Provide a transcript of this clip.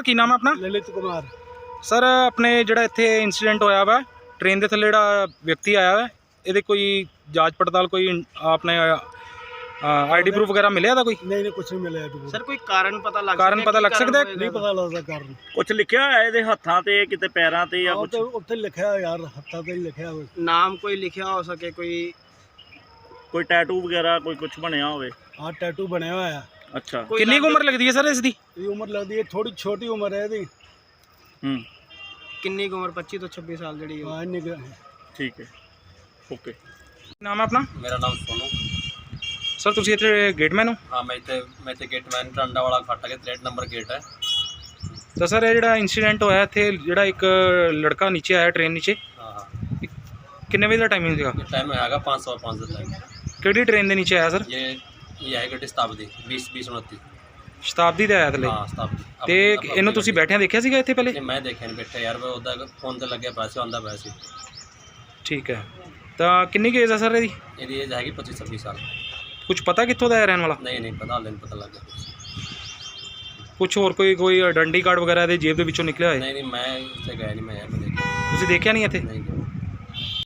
ਕੀ ਨਾਮ ਹੈ ਆਪਣਾ? ललित कुमार। ਸਰ ਆਪਣੇ ਜਿਹੜਾ ਇੱਥੇ ਇੰਸੀਡੈਂਟ ਹੋਇਆ ਵਾ ਟ੍ਰੇਨ ਦੇ ਥੱਲੇ ਜਿਹੜਾ ਵਿਅਕਤੀ ਆਇਆ ਵਾ ਇਹਦੇ ਕੋਈ ਜਾਂਚ ਪੜਤਾਲ ਕੋਈ ਆਪਣੇ ਆईडी प्रूफ वगैरह मिले था कोई? नहीं कुछ नहीं मिले अभी। सर कोई कारण पता लग सकता है? नहीं पता लगता कारण। ਕੁਛ ਲਿਖਿਆ ਹੋਇਆ ਇਹਦੇ ਹੱਥਾਂ ਤੇ ਕਿਤੇ ਪੈਰਾਂ ਤੇ ਜਾਂ ਕੁਛ? ਉੱਥੇ ਲਿਖਿਆ ਯਾਰ, ਹੱਥਾਂ ਤੇ ਲਿਖਿਆ ਹੋਵੇ। नाम कोई लिखा हो सके, ਕੋਈ ਟੈਟੂ ਵਗੈਰਾ ਕੋਈ ਕੁਛ ਬਣਿਆ ਹੋਵੇ? ਹਾਂ ਟੈਟੂ ਬਣਿਆ ਹੋਇਆ ਹੈ। ਅੱਛਾ, ਕਿੰਨੀ ਕੁ ਉਮਰ ਲੱਗਦੀ ਹੈ ਸਰ ਇਸ ਦੀ? ਇਹ ਉਮਰ ਲੱਗਦੀ ਹੈ ਥੋੜੀ ਛੋਟੀ ਉਮਰ ਹੈ ਇਹਦੀ। किन्नी उम्र 25 ਤੋਂ 26 ਸਾਲ ਜਿਹੜੀ ਹਾਂ ਇੰਨੀ ਕੁ। ਠੀਕ ਹੈ, ਓਕੇ। ਨਾਮ ਹੈ ਆਪਣਾ? ਮੇਰਾ ਨਾਮ ਸੋਨੂ। ਸਰ ਤੁਸੀਂ ਇੱਥੇ ਗੇਟਮੈਨ ਹੋ? ਹਾਂ ਮੈਂ ਇੱਥੇ ਗੇਟਮੈਨ ਟਾਂਡਾ ਵਾਲਾ ਫਾਟਕ 63 ਨੰਬਰ ਗੇਟ ਹੈ। ਤਾਂ ਸਰ ਇਹ ਜਿਹੜਾ ਇੰਸੀਡੈਂਟ ਹੋਇਆ ਇੱਥੇ ਜਿਹੜਾ ਇੱਕ ਲੜਕਾ ਨੀਚੇ ਆਇਆ ਟ੍ਰੇਨ ਨੀਚੇ, ਹਾਂ ਕਿੰਨੇ ਵਜੇ ਦਾ ਟਾਈਮਿੰਗ ਸੀਗਾ? ਇਹ ਟਾਈਮ ਹੈਗਾ 505 ਦਾ ਟਾਈਮ। ਕਿਹੜੀ ਟ੍ਰੇਨ ਦੇ ਨੀਚੇ ਆਇਆ ਸਰ? ਇਹ ਹੈ ਗੱਡੀ ਸ਼ਤਾਬਦੀ 2029। ਸ਼ਤਾਬਦੀ ਦੇ ਆਇਆ ਥੱਲੇ? ਹਾਂ ਸ਼ਤਾਬਦੀ। ਤੇ ਇਹਨੂੰ ਤੁਸੀਂ ਬੈਠਿਆਂ ਦੇਖਿਆ ਸੀਗਾ ਇੱਥੇ ਪਹਿਲੇ? ਨਹੀਂ ਮੈਂ ਦੇਖਿਆ ਨਹੀਂ ਬੈਠਾ ਯਾਰ, ਮੈਂ ਉਹਦਾ ਫੋਨ ਤੇ ਲੱਗਿਆ ਪਿਆ ਸੀ, ਆਉਂਦਾ ਪਿਆ ਸੀ। ਠੀਕ ਹੈ, ਤਾਂ ਕਿੰਨੀ ਕੁ ਏਜ ਹੈ ਸਰ ਇਹਦੀ? ਇਹਦੀ ਏਜ ਹੈਗੀ 25-26 ਸਾਲ। ਕੁਝ ਪਤਾ ਕਿੱਥੋਂ ਦਾ ਹੈ ਰਹਿਣ ਵਾਲਾ? ਨਹੀਂ ਪਤਾ, ਹਾਲੇ ਨਹੀਂ ਪਤਾ ਲੱਗ ਗਿਆ ਕੁਝ ਹੋਰ ਕੋਈ ਆਇਡੈਂਟੀ ਕਾਰਡ ਵਗੈਰਾ ਇਹਦੇ ਜੇਬ ਦੇ ਵਿੱਚੋਂ ਨਿਕਲਿਆ ਹੋਏ? ਨਹੀਂ ਮੈਂ ਇੱਥੇ ਗਿਆ ਨਹੀਂ, ਮੈਂ ਦੇਖਿਆ। ਤੁਸੀਂ ਦੇਖਿਆ ਨਹੀਂ ਇੱਥੇ? ਨਹੀਂ